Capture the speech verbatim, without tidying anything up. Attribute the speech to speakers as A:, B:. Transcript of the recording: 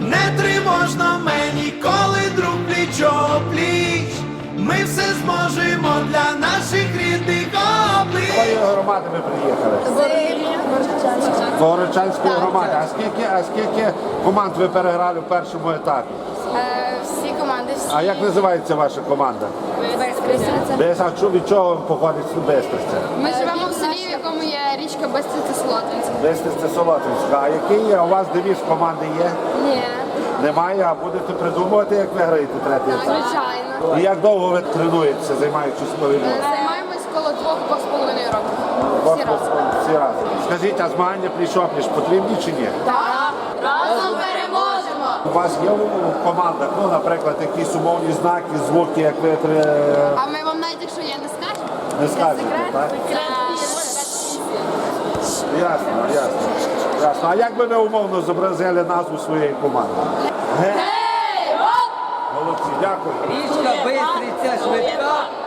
A: Не тривожно мені, коли друг пліч-о-пліч. Ми все зможемо для наших рідних облич.
B: З якої громади ви приїхали? З Горочанської громади. А скільки, а скільки команд ви переграли в першому етапі?
C: Всі команди, всі.
B: А як називається ваша команда? Без, а чу- від чого походить Бестриця?
C: Ми живемо в селі, в якому є річка Бестриця-Солотвинська.
B: Бестриця Солотвинська. А який є? У вас девіз команди є?
C: Ні.
B: Немає, а будете придумувати, як ви граєте третій етап?
C: Звичайно.
B: І як довго ви тренуєтеся, займаючись волейболом?
C: Займаємось коло двох-двох з половиною років. Всі
B: От,
C: разом.
B: Всі разом. Скажіть, а змагання пліч-опліч потрібні чи ні?
C: Так. Разом переможемо!
B: У вас є в командах, ну, наприклад, якісь умовні знаки, звуки, як ви тре-
C: А ми вам навіть, якщо є, не скажемо?
B: не скажете, так? Ясно, ясно. Ясно. А як би ви умовно зобразили назву своєї команди? Гей! Молодці, дякую.
D: Річка Бистриця швидка,